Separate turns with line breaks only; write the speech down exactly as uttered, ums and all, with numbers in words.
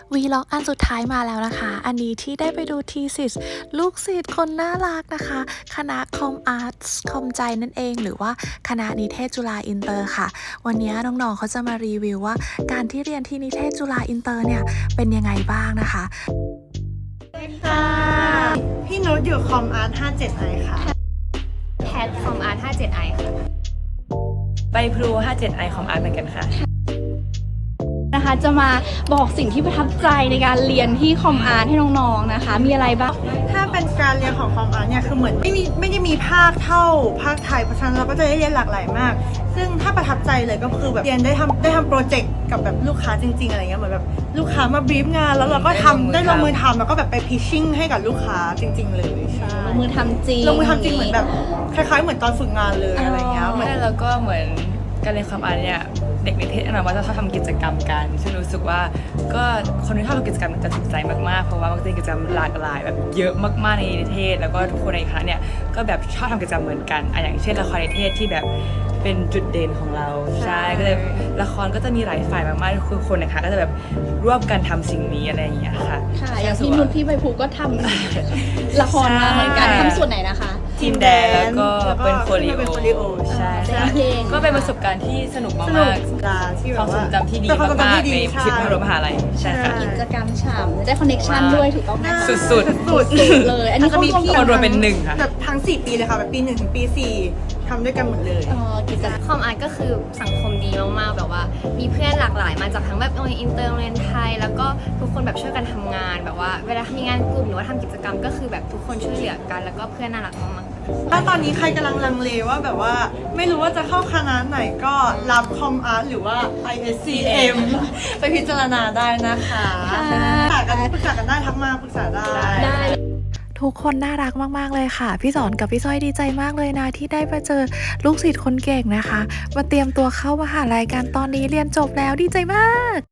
วีล็อกอันสุดท้ายมาแล้วนะคะ อันนี้ที่ได้ไปดูทีสิสลูกศิษย์คนน่ารักนะคะ คณะคอมอาร์ตคอมใจนั่นเอง หรือว่าคณะนิเทศจุฬาอินเตอร์ค่ะ วันนี้น้องๆเขาจะมารีวิวว่าการที่เรียนที่นิเทศจุฬาอินเตอร์เนี่ยเป็นยังไงบ้างนะคะ
ค่ะพี่นุชอยู่คอมอาร์ตห้าเจ็ดไอค่ะ
แพทคอมอาร์ตห้าเจ็ดไอค่ะ
ไปพลูห้าเจ็ดไอคอมอาร์ตเหมือนกันค่ะ
นะคะจะมาบอกสิ่งที่ประทับใจในการเรียนที่คอมอาร์ตให้น้องๆนะคะมีอะไรบ้าง
ถ้าเป็นการเรียนของคอมอาร์ตเนี่ยคือเหมือนไม่มีไม่ได้มีภาคเท่าภาคไทยเพราะฉะนั้นเราก็จะได้เรียนหลากหลายมาก ซึ่งถ้าประทับใจเลยก็คือแบบเรียนได้ทำได้ทำโปรเจกต์กับแบบลูกค้าจริงๆอะไรเงี้ยเหมือนแบบลูกค้ามาบรีฟงานแล้วเราก็ทำได้ลงมือทำแล้วก็แบบไปพิชชิ่งให้กับลูกค้าจริง ๆ เลยใช่
ลงมือทำจริง
ลงมือทำจริงเหมือนแบบคล้ายๆเหมือนตอนฝึกงานเลยอะไรเงี้ยเหมือน
แล้วก็เหมือนการเรียนคอมอาร์ตเนี่ยเด็กนิเทศนะว่าจะชอบทำกิจกรรมกันซึ่งรู้สึกว่าก็คนที่ชอบทำกิจกรรมจะถูกใจมากๆเพราะว่ามันจะมีกิจกรรมหลากหลายแบบเยอะมากๆในนิเทศแล้วก็ทุกคนในคณะเนี่ยก็แบบชอบทำกิจกรรมเหมือนกันอ่ะอย่างเช่นละครนิเทศที่แบบเป็นจุดเด่นของเราใช่ก็เลยละครก็จะมีหลายฝ่ายมากๆคือคนในคณะก็จะแบบร่วมกันทำสิ่งนี้อะไรอย่างเงี้ยค่ะ
ค่ะอย่างพี่นุชพี่ใบภูก็ทำละครมาเหมือนกันทำส่วนไหนนะคะ
ทีมแดนแล้วก็เป็นโคลิโอ
เป็นโคลิโอ
ใช่
ใช่เพลง
ก็เป็นประสบการณ์ที่สนุก
ส
มา
นุก
ก
จาที่
ๆ
แบ
ความ
บ
ทร
ว่าง
จำที่ดี
เป็นความทรง
มาก
จำที่
ๆ
ดี
ในชีวิตมหาวิทยาลัยใช่ค่ะ
กิจกรรมฉ่ำได้คอนเนคชั่นด้วยถูกต้องไหมคะ
สุด
สุด
เลย อันนี้เขา
มี
รวม
พี่
กัน
รวมเป็นหนึ่งค่ะ
แบบทั้งสี่ปีเลยค่ะแบบปีหนึ่งถึงปีสี่ทำด้วยกันหมดเลย
เอ่อกิจกรรม
คอมอาร์ตก็คือสังคมดีมากๆแบบว่า มีเพื่อนหลากหลายมาจากทั้งแบบโรงเรียนอินเตอร์โรงเรียนไทย แล้วก็ทุกคนแบบช่วยกันทำงานแบบว่าเวลามีงานกลุ่มหรือว่าทำกิจกรรมก็คือแบบทุกคนช่วยเหลือกัน แล้วก็เพื่อนน่ารักมากๆ
ถ้าตอนนี้ใครกำลังลังเลว่าแบบว่าไม่รู้ว่าจะเข้าคณะไหนก็รับคอมอาร์ตหรือว่า ไอ เอส ซี เอ็ม ไปพิจารณาได้นะคะปรึกษากันปรึกษากันได้ทักมาปรึกษาได้
ได้
ทุกคนน่ารักมากๆเลยค่ะ พี่สอนกับพี่สร้อยดีใจมากเลยนะที่ได้มาเจอลูกศิษย์คนเก่งนะคะ มาเตรียมตัวเข้ามหาลัยกันตอนนี้เรียนจบแล้วดีใจมาก